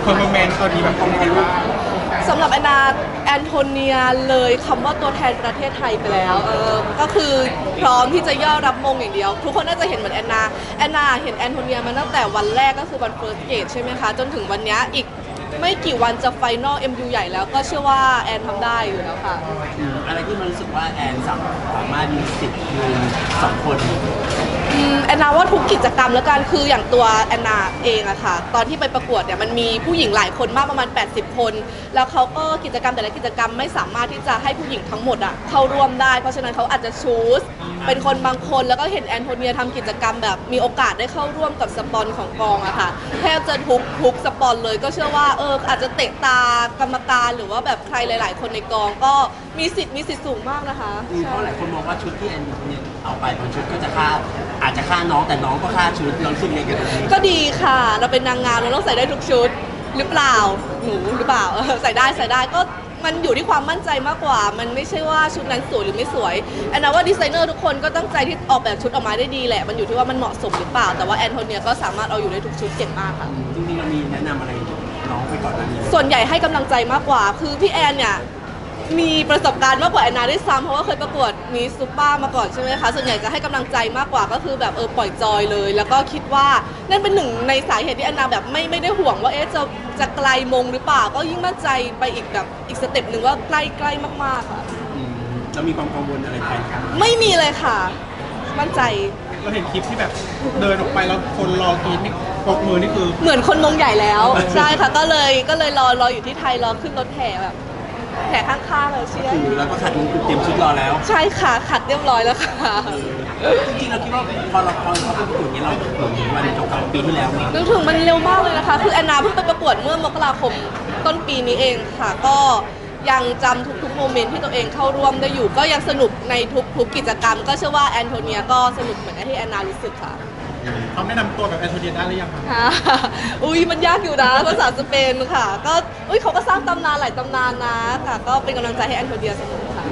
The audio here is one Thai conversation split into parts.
เพอร์ฟอร์แมนซ์ตอนนี้แบบเป็นยังไงบ้างสำหรับแอนโทเนียเลยคำว่าตัวแทนประเทศไทยไปแล้วก็คือพร้อมที่จะย่อรับมงอย่างเดียวทุกคนน่าจะเห็นเหมือนแอนนาเห็นแอนโทเนียมาตั้งแต่วันแรกก็คือวันเฟิร์สเกตใช่ไหมคะจนถึงวันนี้อีกไม่กี่วันจะไฟนอล MU ใหญ่แล้วก็เชื่อว่าแอนทำได้อยู่แล้วค่ะอะไรที่มันรู้สึกว่าแอนสามารถมีสิทธิ์ยืน2 คนแอนนาว่าทุกกิจกรรมแล้วกันคืออย่างตัวแอนนาเองอะค่ะตอนที่ไปประกวดเนี่ยมันมีผู้หญิงหลายคนมากประมาณ80 คนแล้วเขาก็กิจกรรมแต่ละกิจกรรมไม่สามารถที่จะให้ผู้หญิงทั้งหมดอะเข้าร่วมได้เพราะฉะนั้นเขาอาจจะชูสเป็นคนบางคนแล้วก็เห็นแอนโทเนียทำกิจกรรมแบบมีโอกาสได้เข้าร่วมกับสปอนของกองอะค่ะแทบจะทุกสปอนเลยก็เชื่อว่าอาจจะเตะตากรรมการหรือว่าแบบใครหลายๆคนในกองก็มีสิทธิ์สูงมากนะคะเพราะหลายคนมองว่าชุดที่แอนเนี่ยเอาไปบางชุดก็จะค่าอาจจะค่าน้องแต่น้องก็ค่าชุดเรารู้สึกยังไงกับนี้ก็ดีค่ะเราเป็นนางงามเราต้องใส่ได้ทุกชุดหรือเปล่าหนูหรือเปล่าใส่ได้ก็มันอยู่ที่ความมั่นใจมากกว่ามันไม่ใช่ว่าชุดนั้นสวยหรือไม่สวยแอนนาว่าดีไซเนอร์ทุกคนก็ตั้งใจที่ออกแบบชุดออกมาได้ดีแหละมันอยู่ที่ว่ามันเหมาะสมหรือเปล่าแต่ว่าแอนโทเนียก็สามารถเอาอยู่ได้ทุกชุดเก่งมากค่ะจริงๆเรามีแนะนำอะไรน้องไปก่อนหน้านี้ส่วนใหญ่ให้กำลังใจมากกว่าคือพี่แอนเนี่ยมีประสบการณ์มากกว่าแอนนาด้วยซ้ำเพราะว่าเคยประกวดมิสซูเปอร์มาก่อนใช่ไหมคะส่วนใหญ่จะให้กำลังใจมากกว่าก็คือแบบปล่อยจอยเลยแล้วก็คิดว่านั่นเป็นหนึ่งในสาเหตุที่แอนนาแบบไม่ได้ห่วงว่าจะไกลมงหรือเปล่าก็ยิ่งมั่นใจไปอีกสเต็ปหนึ่งว่าใกล้มากๆค่ะแล้วมีความกังวลอะไรไหมไม่มีเลยค่ะมั่นใจเราเห็นคลิปที่แบบเดินออกไปแล้วคนรอกรีดนี่ปรบมือนี่คือเหมือนคนมงใหญ่แล้วใช่ค่ะก็เลยรออยู่ที่ไทยรอขึ้นรถแห่แบบแห่ข้างๆเลยเชียร์อยู่แล้วก็ขัดมงกุฎเตรียมชุดรอแล้วใช่ค่ะขัดเรียบร้อยแล้วค่ะจริงๆเราคิดว่าพอเขาไปประกวดนี้เราเหมือนวันเก่าๆปีที่แล้วมั้ยนึกถึงมันเร็วมากเลยนะคะคือแอนนาเพิ่งไปประกวดเมื่อมกราคมต้นปีนี้เองค่ะก็ยังจำทุกโมเมนต์ที่ตัวเองเข้าร่วมได้อยู่ก็ยังสนุกในทุกกิจกรรมก็เชื่อว่าแอนโทเนียก็สนุกเหมือนที่แอนนารู้สึกค่ะเขาแนะนำตัวแบบแอนโทเนียได้หรือยังคะอุ้ยมันยากอยู่นะภาษาสเปนค่ะก็เขาก็สร้างตำนานหลายตำนานนะค่ะก็เป็นกำลังใจให้แอนโทเนียเสมอค่ะ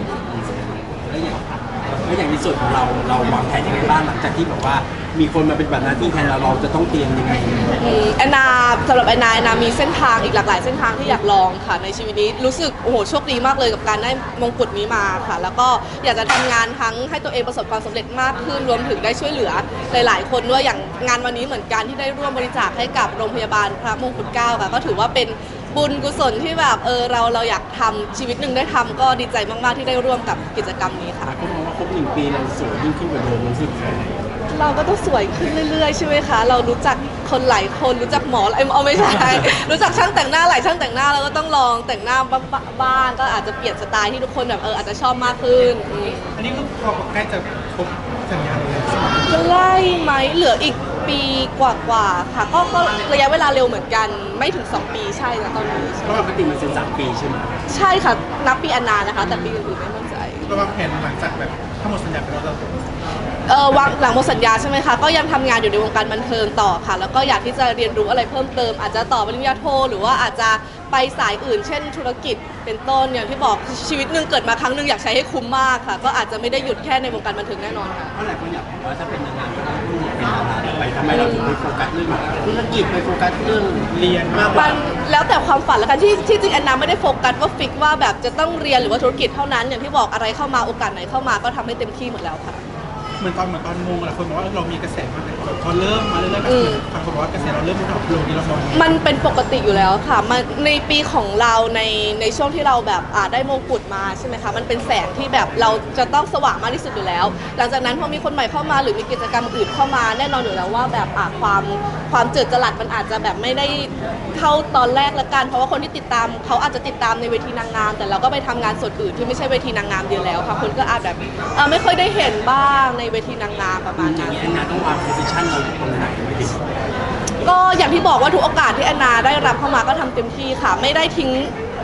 แล้วอย่างในส่วนของเราวางแผนยังไงบ้างหลังจากที่แบบว่ามีคนมาเป็นแบบหน้าที่แทนเราจะต้องเตรียมยังไงแอนนาสำหรับแอนนามีเส้นทางอีกหลากหลายเส้นทางที่อยากลองค่ะในชีวิตนี้รู้สึกโอ้โหโชคดีมากเลยกับการได้มงกุฎนี้มาค่ะแล้วก็อยากจะทำงานทั้งให้ตัวเองประสบความสำเร็จมากขึ้นรวมถึงได้ช่วยเหลือหลายๆคนด้วยอย่างงานวันนี้เหมือนกันที่ได้ร่วมบริจาคให้กับโรงพยาบาลพระมงกุฎเกล้าค่ะก็ถือว่าเป็นบุญกุศลที่แบบเราอยากทำชีวิตหนึ่งได้ทำก็ดีใจมากๆที่ได้ร่วมกับกิจกรรมนี้ค่ะก็มองว่าครบ1 ปีเราสวยยิ่งขึ้นกว่าเดิมรู้สึกเราก็ต้องสวยขึ้นเรื่อยๆใช่ไหมคะเรารู้จักคนหลายคนรู้จักหมอไม่ใช่ รู้จักช่างแต่งหน้าหลายช่างแต่งหน้าเราก็ต้องลองแต่งหน้าบ้างก็อาจจะเปลี่ยนสไตล์ที่ทุกคนแบบอาจจะชอบมากขึ้นอันนี้ก็พอใกล้จะครบสัญญาเลยจะไล่ไหมเหลืออีกปีกว่าค่ะก็ระยะเวลาเร็วเหมือนกันไม่ถึง2 ปีใช่นะตอนนี้ก็ปกติมันเป็น3 ปีใช่ไหมใช่ค่ะนับปีอนนานะคะแต่ปีอื่นๆไม่มั่นใจระวางแผนหลังจากแบบทั้งหมดสัญญาไปแล้ววางหลังหมดสัญญาใช่ไหมคะก็ยังทำงานอยู่ในวงการบันเทิงต่อค่ะแล้วก็อยากที่จะเรียนรู้อะไรเพิ่มเติมอาจจะต่อปริญญาโทหรือว่าอาจจะไปสายอื่นเช่นธุรกิจเป็นต้นอย่างที่บอกชีวิตหนึ่งเกิดมาครั้งหนึ่งอยากใช้ให้คุ้มมากค่ะก็อาจจะไม่ได้หยุดแค่ในวงการบันเทิงแน่นอนค่ะเพราะหลายคนอยากบอกว่าถ้าเป็นนางงามก็ต้องเป็นดาราไปทำไมเราถึงไปโฟกัสเรื่องธุรกิจไปโฟกัสเรื่องเรียนมากกว่าแล้วแต่ความฝันแล้วกันที่จริงแอนนาไม่ได้โฟกัสว่าฟิกว่าแบบจะต้องเรียนหรือว่าธุรกิจเท่านั้นอย่างที่บอกอะไรเข้ามาโอกาสไหนเข้ามาก็ทำให้เต็มที่หมดแล้วค่ะเหมือนตอนงงหลายคนบอกว่าเรามีกระแสมากเลยพอเริ่มมาเรื่อยๆบางคนบอกว่ากระแสเราเริ่มดรอปลงนี่เรามองมันเป็นปกติอยู่แล้วค่ะมันในปีของเราในช่วงที่เราแบบได้มงกุฎมาใช่ไหมคะมันเป็นแสงที่แบบเราจะต้องสว่างมากที่สุดอยู่แล้วหลังจากนั้นพอมีคนใหม่เข้ามาหรือมีกิจกรรมอื่นเข้ามาแน่นอนอยู่แล้วว่าแบบความเจิดจรัสมันอาจจะแบบไม่ได้เท่าตอนแรกละกันเพราะว่าคนที่ติดตามเขาอาจจะติดตามในเวทีนางงามแต่เราก็ไปทำงานส่วนอื่นที่ไม่ใช่เวทีนางงามเดียวแล้วค่ะคนก็อาจแบบไม่ค่อยได้เห็นบ้างในเวทีนางงามประมาณนั้นแอนนาต้องวางโพสิชันเราตรงไหนไว้ดิก็อย่างที่บอกว่าทุกโอกาสที่แอนนาได้รับเข้ามาก็ทำเต็มที่ค่ะไม่ได้ทิ้ง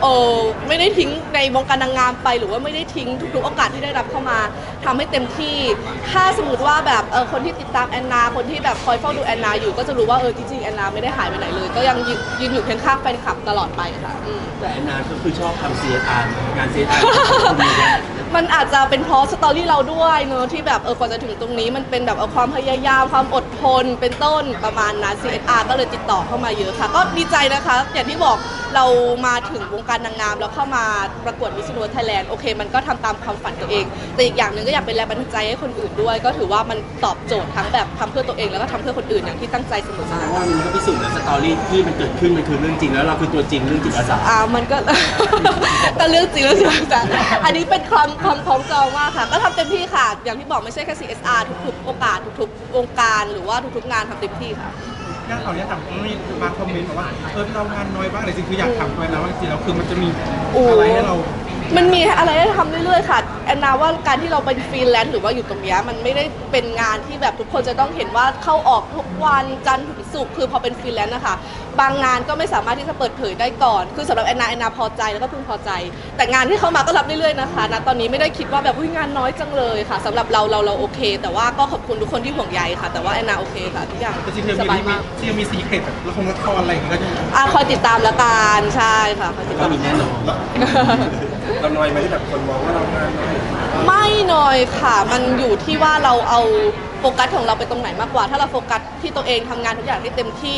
ไม่ได้ทิ้งในวงการนางงามไปหรือว่าไม่ได้ทิ้งทุกๆโอกาสที่ได้รับเข้ามาทำให้เต็มที่ถ้าสมมติว่าแบบคนที่ติดตามแอนนาคนที่แบบคอยเฝ้าดูแอนนาอยู่ก็จะรู้ว่าจริงๆแอนนาไม่ได้หายไปไหนเลยก็ยังยืนอยู่เคียงข้างแฟนคลับตลอดไปค่ะแต่แอนนาก็คือชอบทำ CSR งาน CSR มันอาจจะเป็นเพราะสตอรี่เราด้วยเนอะที่แบบกว่าจะถึงตรงนี้มันเป็นแบบความพยายามความอดทนเป็นต้นประมาณนั้น CSR ก็เลยติดต่อเข้ามาเยอะค่ะก็ดีใจนะคะอย่างที่บอกเรามาถึงวงการนางงามแล้วเข้ามาประกวด Miss Universe Thailand โอเคมันก็ทำตามความฝันตัวเองแต่อีกอย่างหนึ่งก็อยากเป็นแรงบันดาลใจให้คนอื่นด้วยก็ถือว่ามันตอบโจทย์ทั้งแบบทำเพื่อตัวเองแล้วก็ทำเพื่อคนอื่นอย่างที่ตั้งใจเสมอแสมาดงว่ามันก็พิสูจน์แล้วสตอรี่ที่มันเกิดขึ้นมันคือเรื่องจริงแล้วเราคือตัวจริงเรื่องจิตอาสามันก็ ก็เรื่องจริงแล้วใช่ไหมจ๊ะอันนี้เป็นความคล้องจองมากค่ะก็ทำเต็มที่ค่ะอย่างที่บอกไม่ใช่แค่ CSR ทุกๆโอกาสทุกๆวงการหรือว่าทุกๆงานทำเต็มที่ค่ะย่าขออนุญาตถามมีบางคอมเมนต์บอกว่าเรางานน้อยบ้างแต่จริงคืออยากทำไปแล้วจริงๆแล้วคือมันจะมีอะไรให้เรามันมีอะไรให้ทำเรื่อยๆค่ะแอนนาว่าการที่เราเป็นฟรีแลนซ์หรือว่าอยู่ตรงนี้มันไม่ได้เป็นงานที่แบบทุกคนจะต้องเห็นว่าเข้าออกทุกวันจันทร์ถึงศุกร์คือพอเป็นฟรีแลนซ์นะคะบางงานก็ไม่สามารถที่จะเปิดเผยได้ก่อนคือสำหรับแอนนาพอใจแล้วก็พึงพอใจแต่งานที่เข้ามาก็รับเรื่อยๆนะคะณตอนนี้ไม่ได้คิดว่าแบบงานน้อยจังเลยค่ะสำหรับเราโอเค แต่ว่าก็ขอบคุณทุกคนที่ห่วงใยค่ะแต่ว่าแอนนาโอเคค่ะทุกอย่างแต่จริงๆสบายมากมีซีเครตแบบละครอะไรอย่างเงี้ยก็จะคอยติดตามละกันใช่ค่ะคอยติดก็ตามมีแน่นอนเราน้อยไหมที่แบบคนมองว่าเรางานน้อยไม่น้อยค่ะ มันอยู่ที่ว่าเราเอาโฟกัสของเราไปตรงไหนมากกว่า ถ้าเราโฟกัสที่ตัวเองทำงานทุกอย่างให้เต็มที่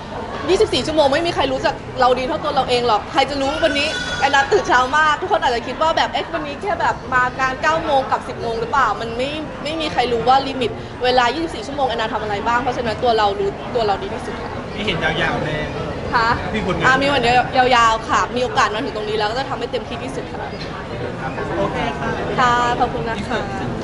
24 ชั่วโมงไม่มีใครรู้จักเราดีเท่าตัวเราเองหรอก ใครจะรู้วันนี้แอนนาตื่นเช้ามาก ทุกคนอาจจะคิดว่าแบบวันนี้แค่แบบมางาน 9 โมงกับ 10 โมงหรือเปล่า มันไม่มีใครรู้ว่าลิมิตเวลา 24 ชั่วโมงแอนนาทำอะไรบ้าง เพราะฉะนั้นตัวเรารู้ตัวเราดีที่สุดค่ะมีเห็นยาวๆเลยค่ะมีผลงานมีวันเดียวยาวๆค่ะ มีโอกาสมาถึงตรงนี้แล้วก็จะทำให้เต็มที่ที่สุดค่ะโอเคค่ะค่ะ ขอบคุณนะคะ